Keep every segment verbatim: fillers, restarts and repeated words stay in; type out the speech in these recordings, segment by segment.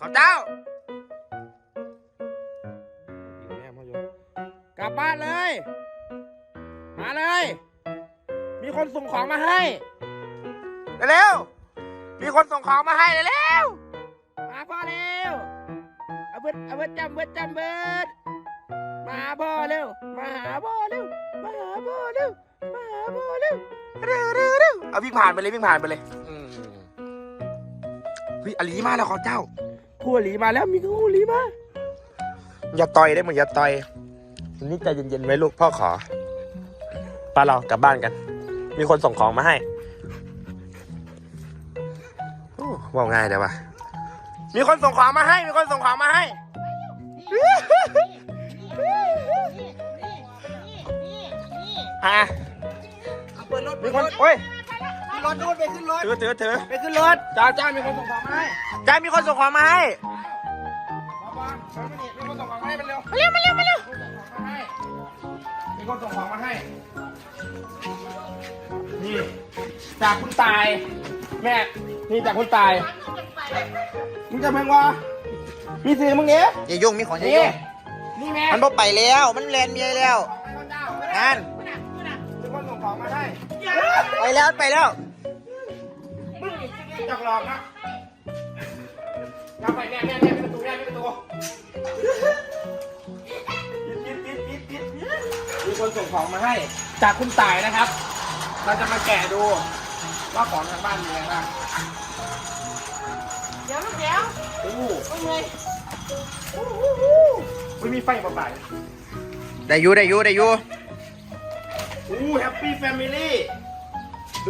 เขาเจ้ากลับบ้านเลย มาเลย มีคนส่งของมาให้เร็วๆมีคนส่งของมาให้เร็วมาพ่อเร็วเอาเบิดเอาเบิดจำเบิดจำเบิดมาหาพ่อเร็ว มาหาพ่อเร็ว มาหาพ่อเร็ว มาหาพ่อเร็วๆเร็วเร็วเร็วเอาวิ่งผ่านไปเลยวิ่งผ่านไปเลยอืมเฮ้ยอลีมาแล้วเขาเจ้าคู่หลีมาแล้วมีคู่หลีมาอย่าต่อยได้เหมือนอย่าต่อยนี่ใจเย็นๆไว้ลูกพ่อขอป้าเรากลับบ้านกัน มีคนส่งของมาให้โอ้ว่าง่ายแต่ว่ามีคนส่งของมาให้ มีคนส่งของมาให้ฮะมีคนโอ้ยรถนู่นไปขึ้นรถถือถือถือไปขึ้นรถจ้าจ้ามีคนส่งของมาให้จ้ามีคนส่งของมาให้มาบ้านมาไม่ดีมีคนส่งของมาให้มันเร็วมาเร็วมาเร็วมาเร็วมีคนส่งของมาให้ นี่จากคุณตาย แม่ นี่จากคุณตาย มึงจะเพิ่งวะมีสื่อมึงเนี้ยอย่ายุ่งมีของอย่านี่ยุ่งนี่แม่มันบ่ไปแล้วมันแลนเมียแล้วนั่นมีคนส่งของมาให้ไปแล้วไปแล้วมึงจักหลอกนะอย่าไปแม่แม่แม่ปิดประตูแม่ปิดประตูปิดปิดปิดปิดปิดมีคนส่งของมาให้ จากคุณตายนะครับ เราจะมาแกะดู ว่าของทางบ้านมีอะไรบ้างเดี๋ยวลูกเดี๋ยวโอ้โหมึงเลยไม่มีไฟมาบ่ายได้อยู่ได้อยู่ได้อยู่โอ้แฮปปี้แฟมิลี่ดู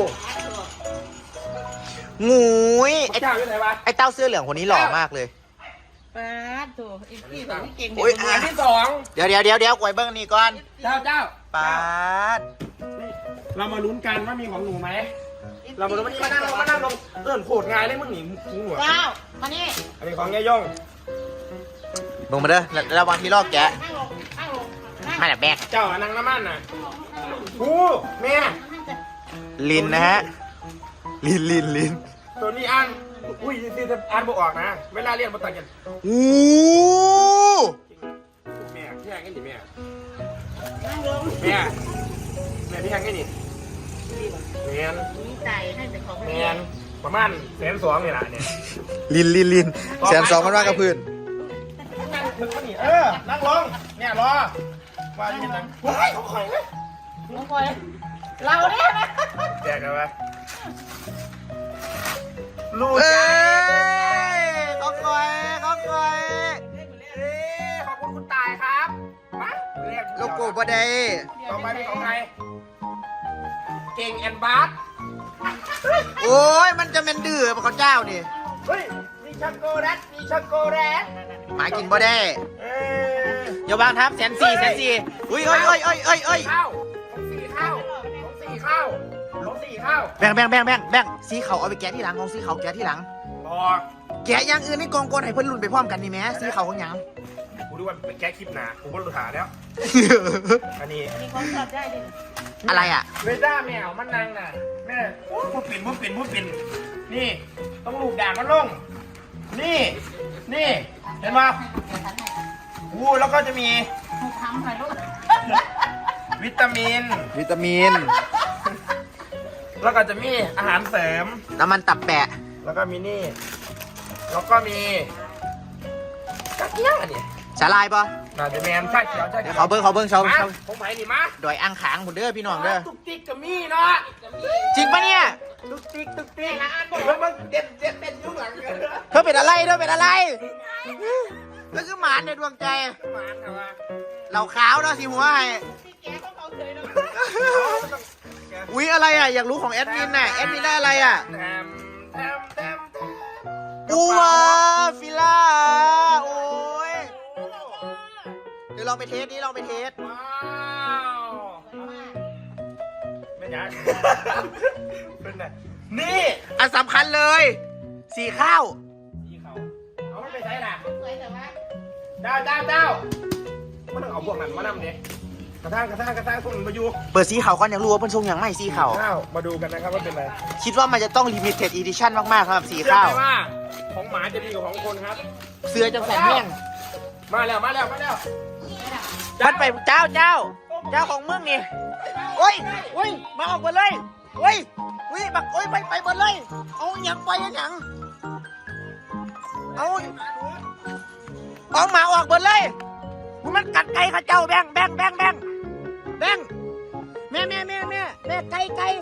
งูยไอ้เจ้าอยู่ไหนวะไอ้เต้าเสื้อเหลืองคนนี้หล่อมากเลยป้าถูกอีกที่แบบเก่งโอ้ยเด็กอันที่สองเดี๋ยวเดี๋ยวเดี๋ยวเดี๋ยวกวยเบิ้งนี่ก่อนเจ้าเจ้าปาดนี่เรามาลุ้นกันว่ามีของหนูไหม เรามาลุ้นวันนี้มานั่งลงมานั่งลงเอิ่นโคตรง่ายเลยมึงหนีมึงหัวเจ้ามานี่อันนี้ของยายย่องลงมาเด้อแล้วระวังที่ลอกแกะนั่งลงนั่งลงนั่งมาแบบแบกเจ้าอะนางน้ำมันน่ะลงนั่งลงกูแม่ลินนะฮะลินลินลินตัวนี้อ่านอุ้ยซีจะอ่านบ่ออกนะ เวลาเรียนบ่ตังกันอู้แม่พี่แหงกันดิแม่นั่งลงแม่แม่พี่แหงกันดิแมนมีใจให้แต่ของแมนประมาณแสนสองนี่แหละเนี่ยลินลินลินแสนสองมันว่ากับพื้นนั่งถึงนี่เออ นั่งลงเนี่ยรอว่าที่นั่งเฮ้ยเขาข่อยเลยน้องพลอยเราเนี่ยนะแจกกันไปลูกเอ้ใจยเขาคอยเขาคอยเอ้ยขอบคุณคุณตายครับมาเรียกโลโก้บ่ได้ต่อไปเป็นของใครเก่งแอนบาร์โอ้ยมันจะเป็นดื้อปะเขาเจ้านี่เฮ้ยมีช็อกโกแลตมีช็อกโกแลตหมากินบ่ได้เอ้ยอย่าวางทับแสนสี่แสนสี่อุ้ยเอ้ยเอ้ยเอ้ยเอ้ยเอ้ยข้าวของสี่ข้าวของสี่ข้าวของสี่ข้าวแบ่งแบ่งแบ่งแบ่งแบ่งสีเขาเอาไปแกะที่หลังของสีเขาแกะที่หลังพอแกะอย่างอื่นในกองกวนให้เพื่อนรุ่นไปพร้อมกันนี่แหม่สีเขาของหยังกูดูว่าเป็นแก๊คคลิปหนากูก็รู้หาแล้ว อันนี้มีคนชอบได้ดิอะไรอ่ะเวด้าแมวมันนางน่ะแม่พูดปิ่นพูดปิ่นพูดปิ่นนี่ต้องลูกด่างมันลง นี่ นี่ เห็นปะวูแล้วก็จะมีทำหน่อยลูกวิตามินวิตามินแล้วก็จะมีอาหารเสริมน้ำมันตับแปะแล้วก็มีนี่ แล้วก็มีกระเทียมอันนี้สาลายปะน่าจะแมนใช่เขียวใช่เดี๋เขียว วเขาเบิ้งเขาเบิ้งเขามาเขาผมไปนี่มาดอยอ่างขางผมเด้อพี่น้องเด้อตุ๊กติ๊กกับมี่เนาะจริงปะเนี่ยตุ๊กติ๊กตุ๊กติ๊กเพิ่งเพิ่งเด็ดเด็ดเด็ดยุ่งหลังเกินเธอเป็นอะไรเธอเป็นอะไรเธอคือหมานในดวงใจมาแต่ว่าเหล่าขาวเนาะสีหัวให้พี่แกเขาเขาเคยเนาะอุ๊ยอะไรอ่ะอยากรู้ของแอดมินน่ะแอดมินได้อะไรอ่ะแทมแทมแทมแทมอูวาฟิล่าโอ้ยเดี๋ยวลองไปเทสนี้ลองไปเทสว้าวไม่ยากเป็นไงนี่อันสำคัญเลยสีข้าวสีเขาเอามันไปใช้น่ะสวยแต่ว่าเจ้าเจ้าเจ้าไม่ต้องเอาพวกนั้นมานำดิกระทางกระทางกระทางคนมาอยู่เปิดสีขาวก่อนอยากรู้ว่าเป็นทรงอย่างไม่สีขาวข้าวมาดูกันนะครับว่าเป็นอะไรคิดว่ามันจะต้อง limited edition มากๆครับสีเชื่อข้าวไหมว่าของหมาจะดีกว่าของคนครับเสื้อจะแสนแห้งมาแล้วมาแล้วมาแล้วมันไปเจ้าเจ้า เจ้าของมึงนี่โอ้ยโอ้ยมาออกมาเลยโอ้ยโอ้ยบักโอ้ยไปไปหมดเลย เอาหยังไปหยังเอาเอาหมาออกหมดเลยมันกัดไก่ข้าเจ้าแบงแบงแบงแบงแบงแม่แม่แม่แม่แม่ไก่ไก่